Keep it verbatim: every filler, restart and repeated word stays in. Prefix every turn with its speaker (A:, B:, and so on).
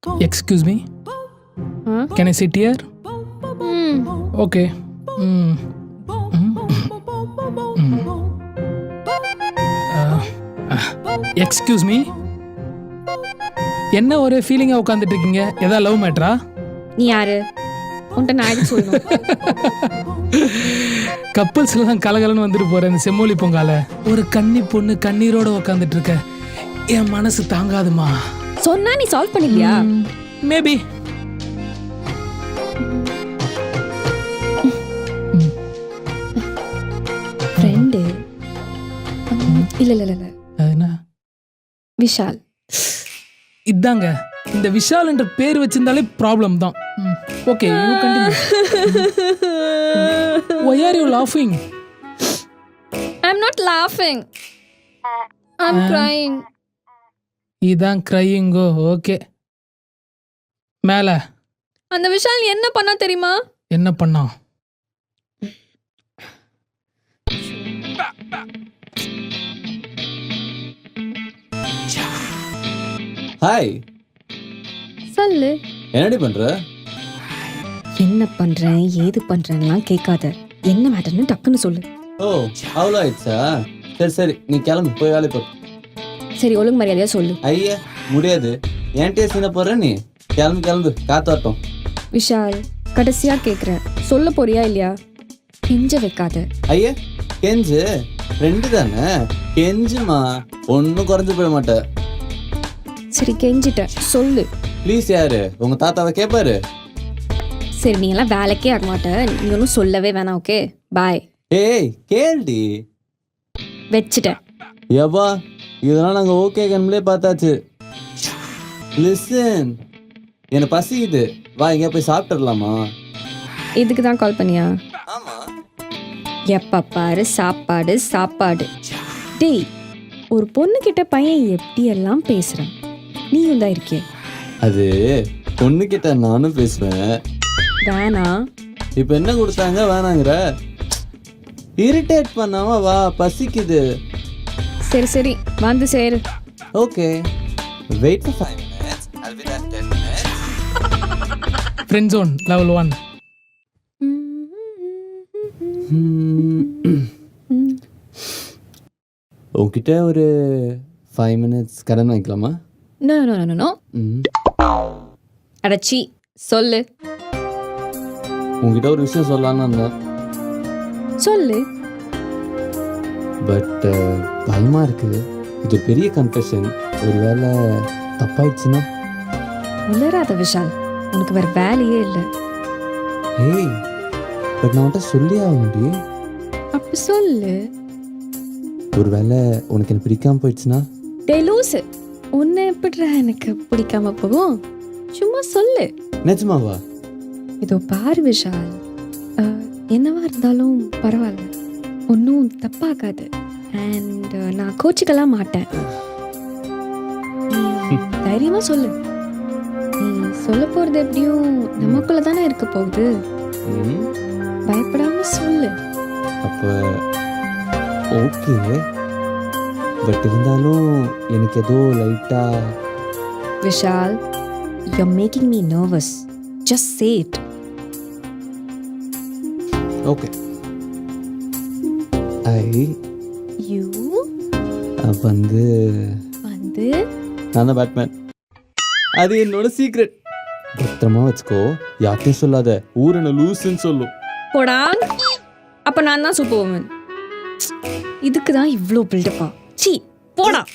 A: Excuse me.
B: Huh?
A: Can I sit here?
B: Hmm.
A: Okay. Mm. Mm. Mm. Uh, uh, excuse me. என்ன ஒரே ஃபீலிங்காக உட்காந்துட்டு இருக்கீங்க? ஏதா love மேட்ரா?
B: நீ யாரு? உன்கிட்ட நான் எதுக்கு சொல்லணும்?
A: கப்பல்ஸ்ல தான் கலகலன்னு வந்துட்டு போற இந்த செம்மொழி பொங்கால ஒரு கன்னி பொண்ணு கண்ணீரோட உட்காந்துட்டு இருக்க என் மனசு தாங்காதுமா.
B: சொன்னா நீ சால்வ் பண்ணிக்கலையா?
A: மேபி.
B: ஃப்ரெண்டு இல்ல இல்ல இல்ல
A: என்ன
B: விஷால்.
A: இதாங்க இந்த விஷால் என்ற பேர் வச்சிருந்தாலே ப்ராப்ளம் தான். Okay, you continue. Why are you laughing?
B: I'm not laughing. I'm crying.
A: இதான் கிரையிங்கோ. ஓகே, மேல
B: அந்த விஷால் என்ன பண்ணா தெரியுமா?
A: என்ன பண்ணா?
C: ஹாய்,
B: சொல்லு.
C: என்னடி பண்ற?
B: என்ன பண்றேன் ஏது பண்றேன்லாம் கேட்காத. என்ன மேட்டர்னு டக்குன்னு சொல்லு.
C: ஓ, அவ்வளோ ஆயிடுச்சா? சரி சரி, நீ கிளம்பு, போய் வேலை பாரு.
B: சரி, ஒழுங்கு மரியாதையா சொல்லு.
C: ஐயா, முடியாது. என்கிட்டயே சீன போடுற நீ. கிளம்பு கிளம்பு, காத்தாட்டம்.
B: விஷால், கடைசியா கேக்குறேன், சொல்ல போறியா இல்லையா? கெஞ்ச வைக்காத.
C: ஐயா, கெஞ்சு ஃப்ரெண்டு தானே, கெஞ்சுமா, ஒன்றும் குறைஞ்சு போயிட மாட்டேன்.
B: சரி, கெஞ்சிட்டேன், சொல்லு.
C: ப்ளீஸ். யாரு உங்க தாத்தாவை கேட்பாரு?
B: சரி, நீ எல்லாம் வேலைக்கே ஆக மாட்ட. நீ ஒன்றும் சொல்லவே வேணாம். Okay, bye.
C: ஏய், கேள்டி.
B: வச்சுட்டேன்.
C: எவ்வா, இதெல்லாம் நாங்கள் ஓகே கண்மலே பார்த்தாச்சு. லிசன், எனக்கு பசிக்குது, வா எங்கேயா போய் சாப்பிட்டுடலாமா?
B: இதுக்கு தான் கால் பண்ணியா?
C: ஆமா.
B: எப்ப பாரு சாப்பாடு சாப்பாடு. டேய், ஒரு பொண்ணு கிட்ட பையன் எப்படி எல்லாம் பேசுறான், நீயும் தான் இருக்கே.
C: அது பொண்ணு கிட்ட நானும் பேசுவேன்.
B: வேணா.
C: இப்ப என்ன கொடுத்தாங்க வேணாங்கிற? இரிட்டேட் பண்ணாம வா, பசிக்குது.
B: சரி சரி, வந்து சேரு.
C: Okay, wait for five minutes. I'll be there in ten minutes.
A: Friend zone level one.
C: உங்ககிட்ட ஒரு ஃபைவ் மினிட்ஸ் கடன் வாங்கிக்கலாமா?
B: No no no no. அடச்சி, சொல்லு.
C: உங்ககிட்ட ஒரு விஷயம் சொல்லலான்னு இருந்தேன்.
B: சொல்லு.
C: பட் பயமா இருக்குது. இது பெரிய கன்ஃபெஷன். ஒருவேளை தப்பாயிடுச்சுன்னா?
B: உளராத விஷால், உனக்கு வேற வேலையே இல்லை.
C: ஏய், பட் நான் உன்கிட்ட சொல்லி ஆக முடியும்.
B: அப்ப சொல்லு.
C: ஒருவேளை உனக்கு எனக்கு பிடிக்காம போயிடுச்சுன்னா?
B: டேய் லூசு, உன்னை எப்படிடா எனக்கு பிடிக்காம போகும்? சும்மா சொல்லு.
C: நிஜமாவா?
B: இதோ பாரு விஷால், அஹ், என்னவா இருந்தாலும் பரவாயில்ல, ஒன்றும் தப்பாகாது. அண்ட் நான் கோச்சிக்கலாம் மாட்டேன். நீ தைரியமா சொல்லு. நீ சொல்ல போறது எப்படியும் நமக்குள்ள தானே இருக்க போகுது.
C: ம்,
B: பயப்படாம சொல்லு.
C: அப்போ ஓகே. பட் இருந்தாலும் எனக்கு ஏதோ லைட்டா.
B: Vishal, you're making me nervous. Just say it.
C: Okay. I
B: You
C: வந்து
B: வந்து
C: நான் தான் பேட்மேன். அது என்னோட சீக்ரெட். பத்திரமா வச்சுக்கோ, யார்ட்டையும் சொல்லாத. ஊர் என்ன லூசுன்னு சொல்லும்.
B: போடா. அப்ப நான் தான் சூப்பர் உமன். இதுக்கு தான் இவ்வளோ பில்டப்பா? சீ, போடா.